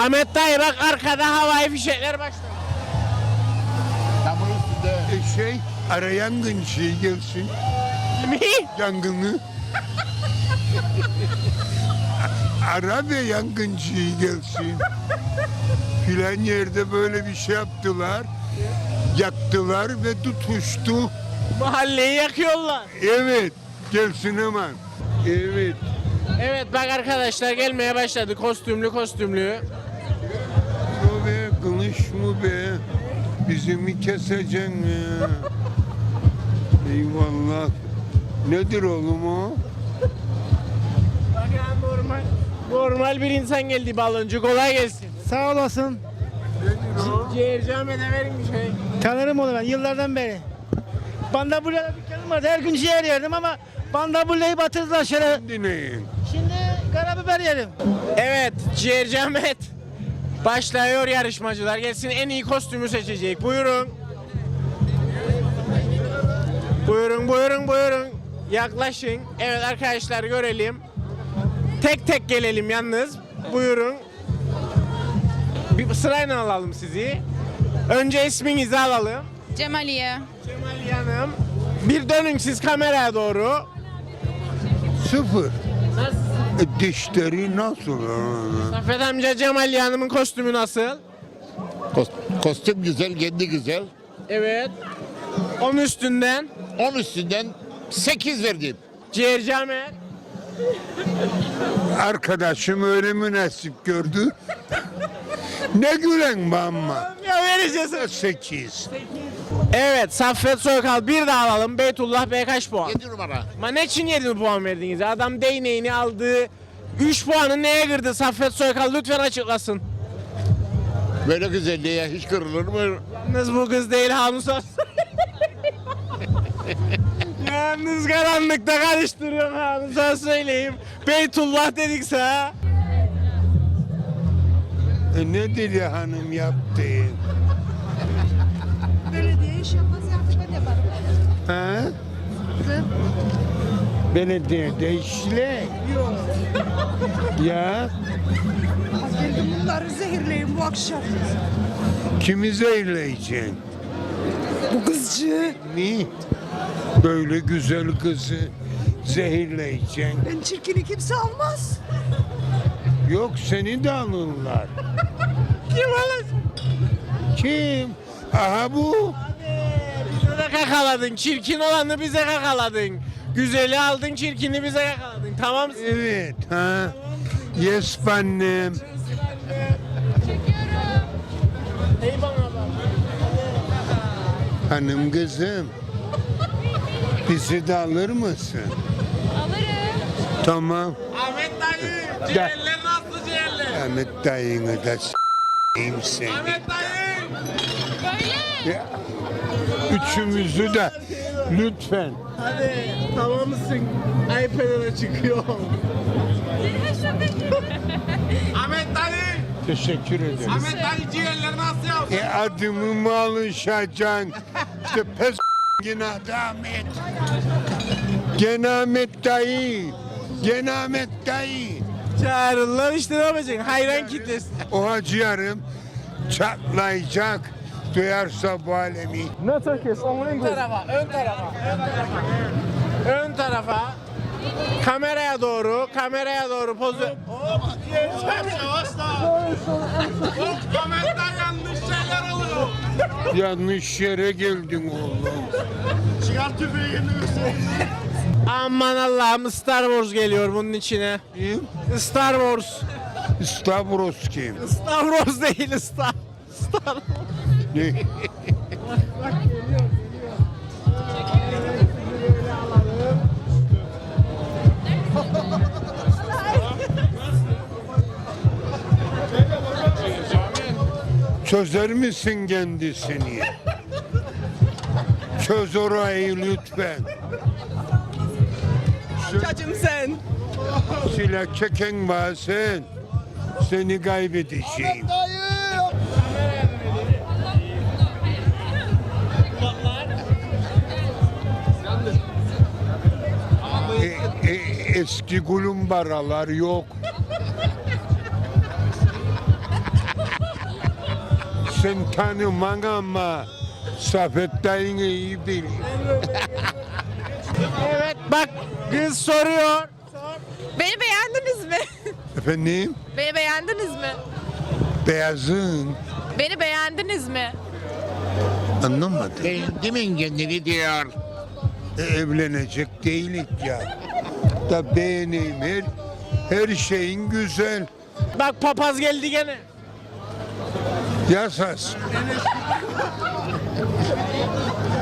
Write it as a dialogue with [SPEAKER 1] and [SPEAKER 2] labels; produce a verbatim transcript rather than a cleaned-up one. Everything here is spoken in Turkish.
[SPEAKER 1] Ahmet dayı bak arkada havai fişekler başladı.
[SPEAKER 2] Tamam üstünde.
[SPEAKER 3] E şey, ara yangın şey gelsin.
[SPEAKER 1] Mi?
[SPEAKER 3] Yangını. Ara ve yangıncıyı gelsin. Filan yerde böyle bir şey yaptılar. Yaktılar ve tutuştu.
[SPEAKER 1] Mahalleyi yakıyorlar.
[SPEAKER 3] Evet, gelsin hemen. Evet.
[SPEAKER 1] Evet bak arkadaşlar gelmeye başladı kostümlü kostümlü.
[SPEAKER 3] O be, kılıç mı be? Bizi mi keseceksin ya? Eyvallah. Nedir oğlum o?
[SPEAKER 1] Bak ya normal. Normal bir insan geldi baloncu kolay gelsin.
[SPEAKER 4] Sağ olasın.
[SPEAKER 1] Ciğerci Ahmet'e verin bir şey.
[SPEAKER 4] Tanırım onu ben yıllardan beri. Bandabulya'da dükkanım vardı. Her gün ciğer yerdim ama Bandabulya'yı batırdılar şöyle.
[SPEAKER 3] Dinleyin.
[SPEAKER 4] Şimdi karabiber yerim.
[SPEAKER 1] Evet Ciğerci Ahmet. Başlıyor yarışmacılar. Gelsin en iyi kostümü seçecek. Buyurun. Buyurun buyurun buyurun. Yaklaşın. Evet arkadaşlar görelim. Tek tek gelelim yalnız. Buyurun. Bir sırayla alalım sizi. Önce isminizi alalım.
[SPEAKER 5] Cemaliye.
[SPEAKER 1] Cemal Hanım. Bir dönün siz kameraya doğru.
[SPEAKER 3] Sıfır. E, dişleri nasıl?
[SPEAKER 1] Saffet amca Cemal Hanım'ın kostümü nasıl?
[SPEAKER 2] Kost- kostüm güzel, kendi güzel.
[SPEAKER 1] Evet. On üstünden.
[SPEAKER 2] On üstünden sekiz verdim.
[SPEAKER 1] Ciğerci Ahmet.
[SPEAKER 3] Arkadaşım öyle münasip gördü. Ne gülen bana.
[SPEAKER 1] Ya vereceğiz.
[SPEAKER 3] Sekiz.
[SPEAKER 1] Evet Saffet Soykal bir daha alalım. Beytullah Bey kaç puan?
[SPEAKER 2] Yedi numara.
[SPEAKER 1] Ma ne için yedi puan verdiniz? Adam değneğini aldığı üç puanı neye kırdı? Saffet Soykal lütfen açıklasın.
[SPEAKER 2] Böyle güzelliğe hiç kırılır mı?
[SPEAKER 1] Yalnız bu kız değil Hanus olsun. Yalnız karanlıkta karıştırıyorum Hanus'a söyleyeyim. Beytullah dedikse ha.
[SPEAKER 3] E, ne Deli Hanım yaptı?
[SPEAKER 6] Belediye iş yapmaz artık ben yaparım.
[SPEAKER 3] Ha? Belediyede işle. Ya
[SPEAKER 6] Bunları zehirleyin bu akşam.
[SPEAKER 3] kimi zehirleyeceksin?
[SPEAKER 6] Bu kızcı.
[SPEAKER 3] Mi? Böyle güzel kızı zehirleyeceksin.
[SPEAKER 6] Ben çirkini kimse almaz.
[SPEAKER 3] Yok seni de alırlar.
[SPEAKER 1] Kim alır?
[SPEAKER 3] Kim? Aha bu.
[SPEAKER 1] Bize de kakaladın. Çirkin olanı bize kakaladın. Güzeli aldın, çirkini bize kakaladın. Tamam mısın?
[SPEAKER 3] Evet ha. Yes annem.
[SPEAKER 1] Ey bana bak.
[SPEAKER 3] Hanım kızım. Bizi de alır mısın?
[SPEAKER 5] Alırım.
[SPEAKER 3] Tamam.
[SPEAKER 1] Ahmet dayı. Ciğerler nasıl ciğerler?
[SPEAKER 3] Ahmet dayını da s**eyim seni.
[SPEAKER 1] Ahmet dayı.
[SPEAKER 5] Böyle.
[SPEAKER 3] Ya, üçümüzü de lütfen.
[SPEAKER 1] Hadi tamam mısın? iPad'e çıkıyor. Ahmet dayı.
[SPEAKER 3] Teşekkür ederim.
[SPEAKER 1] Ahmet dayı ciğerler nasıl yapsın?
[SPEAKER 3] E adımı mı alışacaksın? İşte pes gene adı Ahmet. Gene Ahmet dayı. Gene Ahmet dayı.
[SPEAKER 1] Çağırırlar işte ne yapacaksın? Hayran kitlesi.
[SPEAKER 3] O hacıyarım çatlayacak. Duyarsa bu alemi.
[SPEAKER 1] Ön tarafa, ön tarafa, ön tarafa. Ön tarafa. Kameraya doğru, kameraya doğru pozu. Hop, Ahmet'ten yanlış şeyler oluyor.
[SPEAKER 3] Yanlış yere geldin oğlum.
[SPEAKER 1] Çıkar tüfeğini Aman Allah'ım Star Wars geliyor bunun içine.
[SPEAKER 3] Kim?
[SPEAKER 1] Star Wars.
[SPEAKER 3] Stavros kim?
[SPEAKER 1] Star Wars değil Star. Star
[SPEAKER 3] Ne? Çözer misin kendisini? Çöz orayı lütfen.
[SPEAKER 1] Cacım sen.
[SPEAKER 3] Silah çeken bazen seni kaybedeceğim. E, e, eski gulumbaralar yok. sen tanıman ama Safet dayını iyi bilir.
[SPEAKER 1] Evet bak kız soruyor.
[SPEAKER 5] Beni beğendiniz mi?
[SPEAKER 3] Efendim?
[SPEAKER 5] Beni beğendiniz mi?
[SPEAKER 3] Beyazın.
[SPEAKER 5] Beni beğendiniz mi?
[SPEAKER 3] Anlamadım.
[SPEAKER 2] Beğendimin kendini diyor.
[SPEAKER 3] E, evlenecek değilik ya. Da beğeneyim her, her şeyin güzel.
[SPEAKER 1] Bak papaz geldi gene.
[SPEAKER 3] Yasas.